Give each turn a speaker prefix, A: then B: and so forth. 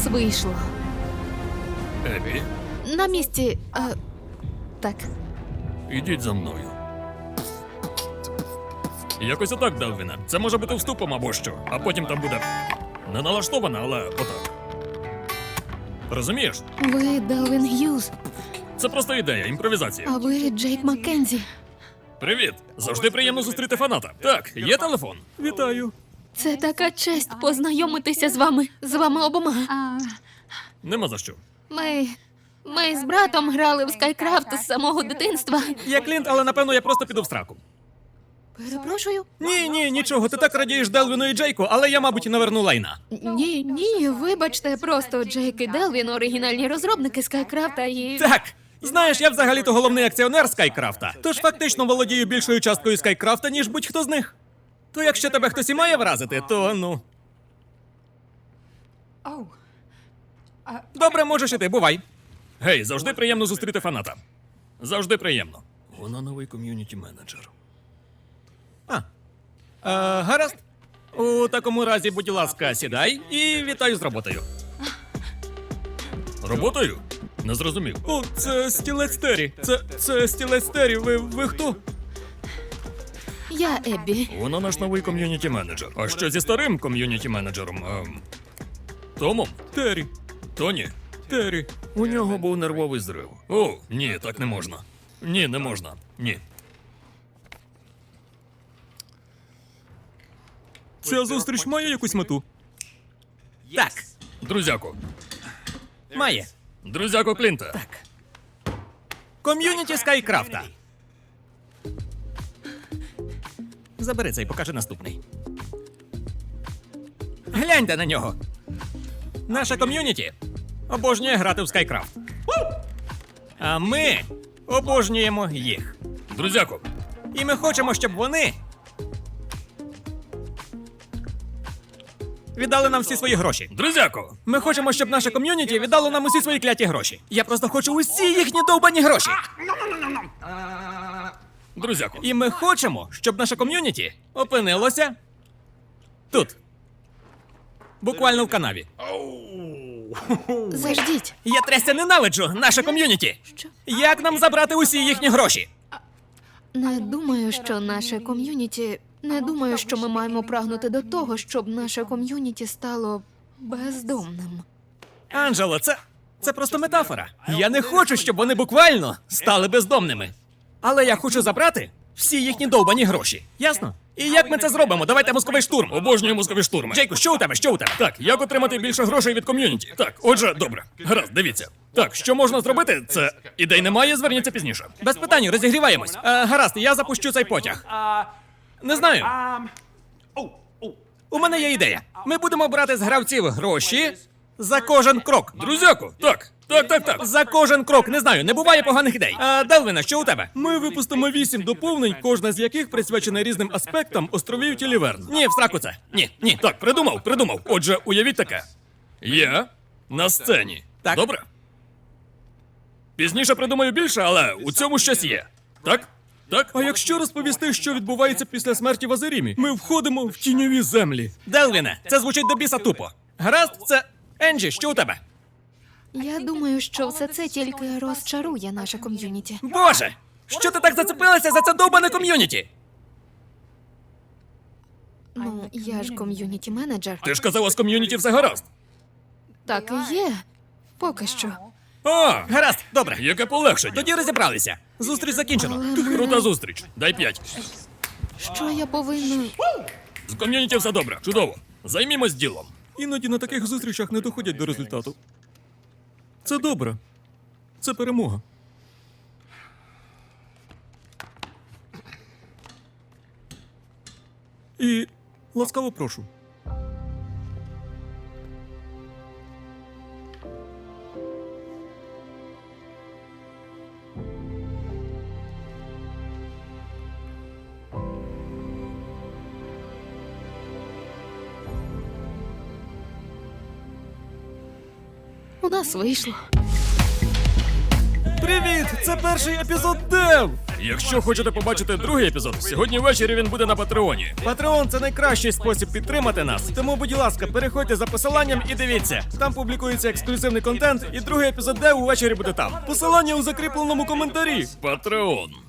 A: вийшло.
B: Ебі,
A: На місці. Так.
B: ідіть за мною. Якось отак, Делвіне. Це може бути вступом або що. А потім там буде не налаштовано, але отак. Розумієш?
A: Ви Делвін Г'юз,
B: Це просто ідея, імпровізація.
A: а ви Джейк Маккензі.
B: Привіт! Завжди приємно зустріти фаната. Так, є телефон. Вітаю.
A: Це така честь познайомитися з вами. З вами обома.
B: Нема за що.
A: Ми з братом грали в Скайкрафт з самого дитинства.
C: Я Клінт, але напевно я просто піду в сраку.
A: Перепрошую?
C: Ні, нічого, ти так радієш Делвіну і Джейку, але я, мабуть, наверну лайна.
A: Ні, вибачте, просто Джейк і Делвін оригінальні розробники Скайкрафта і...
C: Так, знаєш, я взагалі-то головний акціонер Скайкрафта, тож фактично володію більшою часткою Скайкрафта, ніж будь-хто з них. То якщо тебе хтось і має вразити, то ну. Добре, можеш іти, бувай.
B: Гей, завжди приємно зустріти фаната. Завжди приємно. Вона новий ком'юніті-менеджер.
C: Гаразд. У такому разі, будь ласка, сідай і вітаю з роботою.
B: Роботою? Не зрозумів.
C: О, це стілець Террі. Це стілець Террі. Ви хто?
A: Я Еббі.
B: Вона наш новий ком'юніті-менеджер. А що зі старим ком'юніті-менеджером? Томом?
C: Террі.
B: Тоні?
C: Террі.
B: У нього був нервовий зрив. О, ні, так не можна. Ні, не можна. Ні.
C: Ця зустріч має якусь мету? Так,
B: Друзяко.
C: має.
B: Друзяко Клінта.
C: Так. Ком'юніті Скайкрафта. Забери цей, покажи наступний. Гляньте на нього. Наша ком'юніті обожнює грати в Скайкрафт. А ми обожнюємо їх.
B: Друзяко.
C: І ми хочемо, щоб вони віддали нам всі свої гроші.
B: Друзяко.
C: Ми хочемо, щоб наше ком'юніті віддало нам усі свої кляті гроші. Я просто хочу усі їхні довбані гроші.
B: Друзяко.
C: І ми хочемо, щоб наше ком'юніті опинилося тут. Буквально в канаві.
A: Заждіть.
C: Я трясся ненавиджу наше ком'юніті.
A: Що?
C: Як нам забрати усі їхні гроші?
A: Не думаю, що наше ком'юніті... Не думаю, що ми маємо прагнути до того, щоб наше ком'юніті стало бездомним.
C: Анджело, це просто метафора. Я не хочу, щоб вони буквально стали бездомними. Але я хочу забрати всі їхні довбані гроші. Ясно? І як ми це зробимо? Давайте мозковий штурм.
B: Обожнюю мозкові штурми.
C: Джейку, що у тебе? Що у тебе?
B: Так, як отримати більше грошей від ком'юніті? Так, отже, добре. Гаразд, дивіться. Так, що можна зробити? Це ідей немає, зверніться пізніше.
C: Без питань, розігріваємось. Гаразд, я запущу цей потяг. Не знаю. У мене є ідея. Ми будемо брати з гравців гроші за кожен крок.
B: Друзяко, так.
C: За кожен крок, не знаю, не буває поганих ідей. Делвіне, що у тебе? Ми випустимо 8 доповнень, кожна з яких присвячена різним аспектам островів Тіліверн. Ні, в сраку це. Ні.
B: Так, придумав. Отже, уявіть таке. Я на сцені.
C: Так.
B: Добре? Пізніше придумаю більше, але у цьому щось є. Так? Так?
C: А якщо розповісти, що відбувається після смерті в Азерімі, ми входимо в тіньові землі. Делвіне, це звучить до біса тупо. Гаразд, це Енджі, що у тебе?
A: Я думаю, що все це тільки розчарує наше ком'юніті.
C: Боже! Що ти так зацепилася за це довбане ком'юніті?
A: Ну, я ж ком'юніті-менеджер.
B: Ти ж казала, з ком'юніті все гаразд.
A: Так і є. Поки що.
B: А,
C: Гаразд, добре.
B: яке полегшення.
C: Тоді розібралися. Зустріч закінчено.
B: Крута зустріч. Дай 5.
A: Що я повинна...
B: З ком'юніті все добре. Чудово. Займімось ділом.
C: Іноді на таких зустрічах не доходять до результату. Це добре. Це перемога. І ласкаво прошу.
A: У нас вийшло.
C: Привіт! Це перший епізод Дев!
B: Якщо хочете побачити другий епізод, сьогодні ввечері він буде на Патреоні.
C: Патреон це найкращий спосіб підтримати нас. Тому, будь ласка, переходьте за посиланням і дивіться. Там публікується ексклюзивний контент, і другий епізод де увечері буде там. Посилання у закріпленому коментарі.
B: Патреон.